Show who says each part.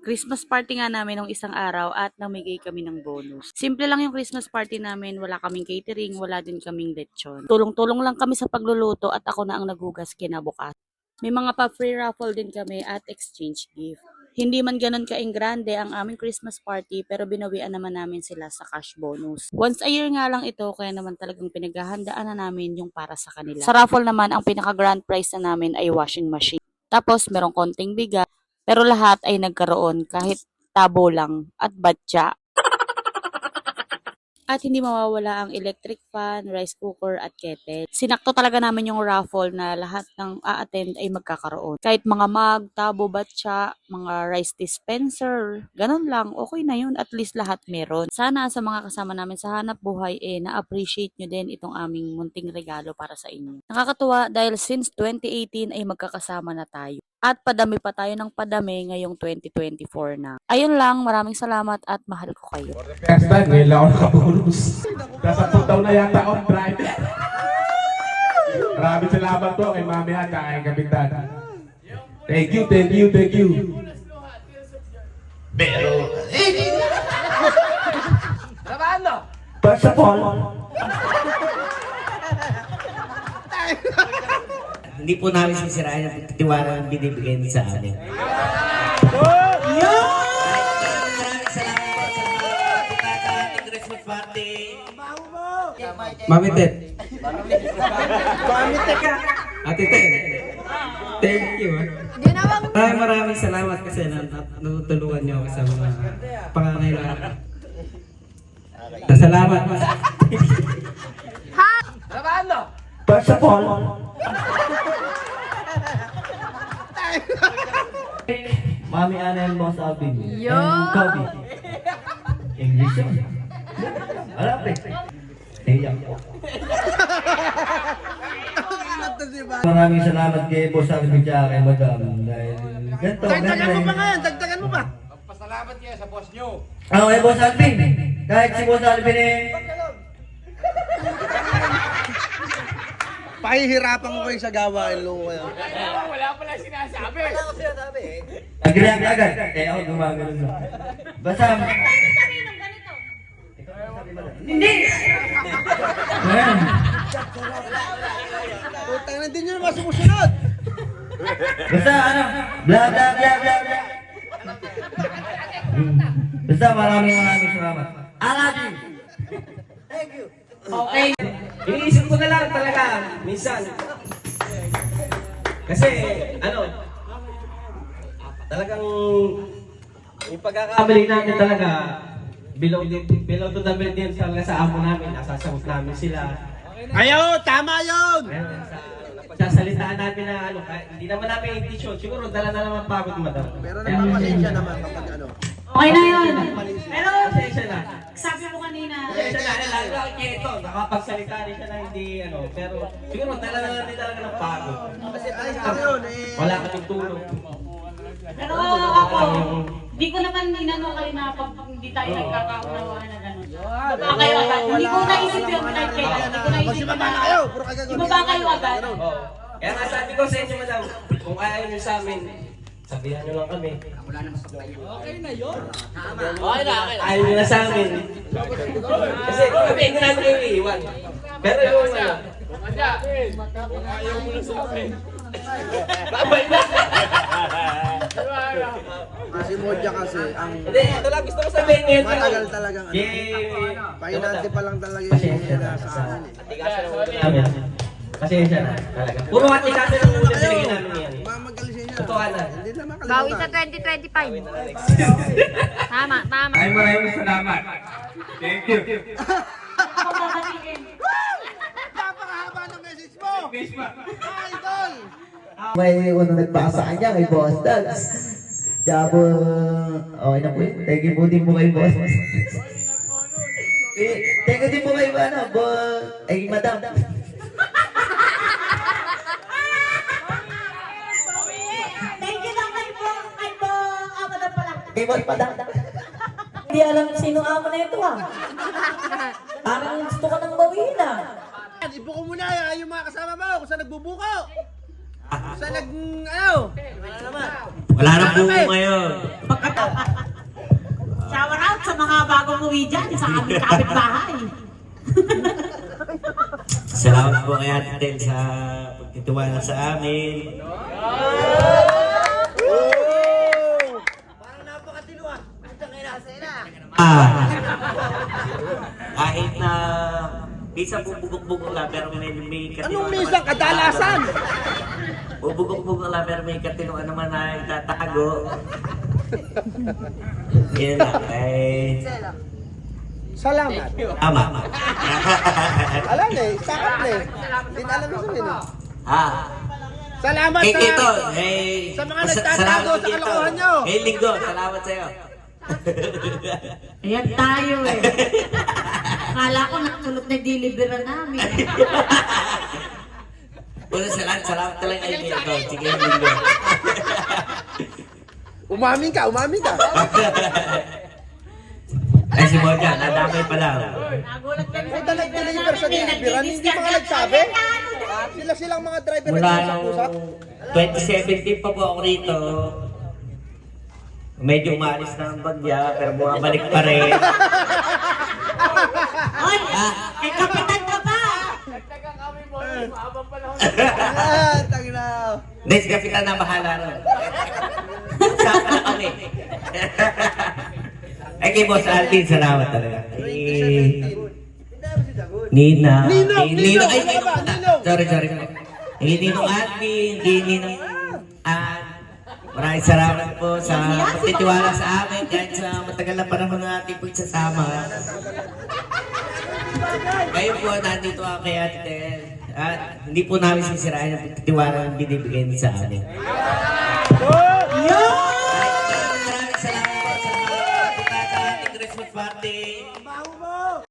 Speaker 1: Christmas party nga namin nung isang araw at namigay kami ng bonus. Simple lang yung Christmas party namin, wala kaming catering, wala din kaming lechon. Tulong-tulong lang kami sa pagluluto at ako na ang naghugas kinabukas. May mga pa-free raffle din kami at exchange gift. Hindi man ganun ka-grande ang aming Christmas party pero binawian naman namin sila sa cash bonus. Once a year nga lang ito kaya naman talagang pinaghahandaan na namin yung para sa kanila. Sa raffle naman ang pinaka-grand prize na namin ay washing machine. Tapos merong konting bigas pero lahat ay nagkaroon kahit tabo lang at batya. At hindi mawawala ang electric fan, rice cooker at kettle. Sinakto talaga namin yung raffle na lahat ng a-attend ay magkakaroon. Kahit mga mug, tabo, batya, mga rice dispenser, ganun lang, okay na yun. At least lahat meron. Sana sa mga kasama namin sa hanap buhay, na-appreciate nyo din itong aming munting regalo para sa inyo. Nakakatuwa dahil since 2018 ay magkakasama na tayo. At padami pa tayo ng padami ngayong 2024 na. Ayun lang, maraming salamat at mahal ko kayo.
Speaker 2: First time, ngayon lang ako nakabonus. Nasa daw na yata on drive. Maraming salamat po kay Mami at kay Kapitan. Thank you, thank you, thank you. Pero, first of all,
Speaker 3: Hindi po namin sisirain ang tiwala ng binibigay niyo sa amin. Maraming salamat po sa mga punta sa ating Christmas party. Mami Ted. Mami Ted ka. Ate Ted. Thank you. Maraming salamat kasi natutulungan niyo ako sa mga pangangailangan. Salamat.
Speaker 2: first of all,
Speaker 4: Mami Ana and Boss Alvin. And Kobe. English yun. Alam eh. Naiyak ko. Maraming salamat kay Boss Alvin at kay Madam. Dahil ganito.
Speaker 5: Dagdagan mo pa nga yan, dagdagan mo pa.
Speaker 2: pasalamat niya sa boss niyo.
Speaker 4: Ano kay Boss Alvin? Kahit si Boss Alvin
Speaker 5: Pahihirapan ko kayo sa gawain, loko kayo.
Speaker 2: Wala pala sinasabi.
Speaker 4: nag-react agad. Eh ako gumagano na. Basta. Hindi! Ayan.
Speaker 5: Putang na din nyo naman sumusunod.
Speaker 4: Basta ano, bla bla bla bla bla. Basta maraming salamat. Alagi!
Speaker 5: Thank you.
Speaker 3: Okay. Iniisip ko na lang talaga, minsan. Kasi, talagang yung pagkakamali namin talaga, below to the belt din talaga sa amo namin, nasasagot namin sila.
Speaker 5: Ayo, tama yun!
Speaker 3: Nagsasalitaan namin na hindi naman namin intention, siguro dala na naman pagod madam.
Speaker 5: Pero nagpapasensya naman kapag
Speaker 1: Okay na yun. Pero
Speaker 3: Pasensya na.
Speaker 1: sabi mo kanina,
Speaker 3: Pasensya na, lalo kaya ito, nakapagsalita rin siya na hindi, pero siguro dala na natin talaga ng pagod.
Speaker 5: Kasi tayo yun eh.
Speaker 3: Wala kaming tulong.
Speaker 1: pero ako, hindi ko naman ninano kayo na pag hindi tayo nagkakaunawaan na gano'n. Baba kayo agad. Hindi ko naisip yun kahit kailan. Hindi ko naisip
Speaker 5: Magsibaba na
Speaker 1: na.
Speaker 5: kayo, puro kagagawa.
Speaker 1: Ibaba kayo agad.
Speaker 3: Oo. Kaya nga sabi ko sa inyo, madam, kung ayaw nyo sa amin, sabihan nyo lang kami. Okay na yun. Ayaw nyo na sa amin. Kasi kami hindi namin kayo iiwan. Pero yung
Speaker 2: Ayaw mo na sa akin.
Speaker 3: babay na.
Speaker 5: Kasi Modja kasi, ang
Speaker 3: Hindi, ito lang gusto ko sabihin ngayon.
Speaker 5: matagal talagang ano.
Speaker 3: Yay!
Speaker 5: Pahinante pa lang talaga yung
Speaker 3: Pasensya
Speaker 5: nila
Speaker 3: na
Speaker 5: sa
Speaker 3: sa
Speaker 5: akin eh.
Speaker 3: atikaso ng ulo namin. Pasensya na talaga. Puro atikaso ng ulo binigay namin yan.
Speaker 5: Mamagalisin niya.
Speaker 3: Totoo na.
Speaker 5: Hindi naman
Speaker 6: Bawi sa
Speaker 5: kalimutan.
Speaker 6: 2025. Tama, tama.
Speaker 2: Ay, maraming salamat. Thank you.
Speaker 5: Napakahaba ng message mo! Idol!
Speaker 4: May nagpasa sa kanya kay Boss Dags. Kaya po, okay na po yun. Thank you po din po kay Boss. Thank you din po kay Madam.
Speaker 7: Thank you lang kay po, amo na pala.
Speaker 4: Kay Boss Madam.
Speaker 7: Hindi alam sino amo na ito ah. Parang gusto ko nang bawiin ah.
Speaker 5: Ibuko mo na yung mga kasama mo kung saan nagbubuko. Kung saan nag, ano? Wala naman.
Speaker 3: Wala na po ngayon.
Speaker 7: Shower out sa mga bagong uwi dyan sa aming kapitbahay.
Speaker 3: Salamat po kay Ate Tel sa pagtitiwala sa amin.
Speaker 5: Parang napakatino ah. Hanggang inasa na.
Speaker 3: Kahit na minsan bubugok-bugok lang pero may katino.
Speaker 5: Anong minsan kadalasan?
Speaker 3: Bubugok-bugok lang pero may katino naman na itatago. Yan lang.
Speaker 5: Salamat.
Speaker 3: Tama.
Speaker 5: Alam na eh, sakat na eh. Hindi na alam mo sabihin eh. Salamat sa...
Speaker 3: Ito,
Speaker 5: sa mga nagtatago sa kalokohan nyo.
Speaker 3: Linggo, salamat sa'yo.
Speaker 7: Ayan tayo eh. Akala ko natulog na delivery namin.
Speaker 3: Salamat talaga kay Linggo. Sige, Linggo.
Speaker 5: Umamin ka, umamin ka.
Speaker 3: Ay, si Moja, nadamay pa lang.
Speaker 5: Punta nag-deliver sa deliveran, hindi mga nagsabi. Sila-silang mga driver
Speaker 3: Mula
Speaker 5: na
Speaker 3: nung
Speaker 5: usap.
Speaker 3: 2017 pa po ako rito. Medyo umalis na ang bagya, pero bumabalik pa rin.
Speaker 7: Oy! Ay, kapitan ka ba?
Speaker 5: Tangin na.
Speaker 3: Hindi, si Kapitan na bahala ron. Sama na kami. Ay, kay Boss Alvin, salamat talaga. Nina.
Speaker 5: Nino,
Speaker 3: Ay,
Speaker 5: ano ba? Nino.
Speaker 3: Sorry. Hindi Ninong Alvin, hindi Ninong Ann. Maraming salamat po sa pagtitiwala sa amin kahit sa matagal na panahon na ating pagsasama. Kayo po, nandito ako kay Ate Tel. At hindi po namin sisirain ang pagtitiwala ng binibigay niyo sa amin. Maraming salamat po sa mga punta sa ating Christmas party.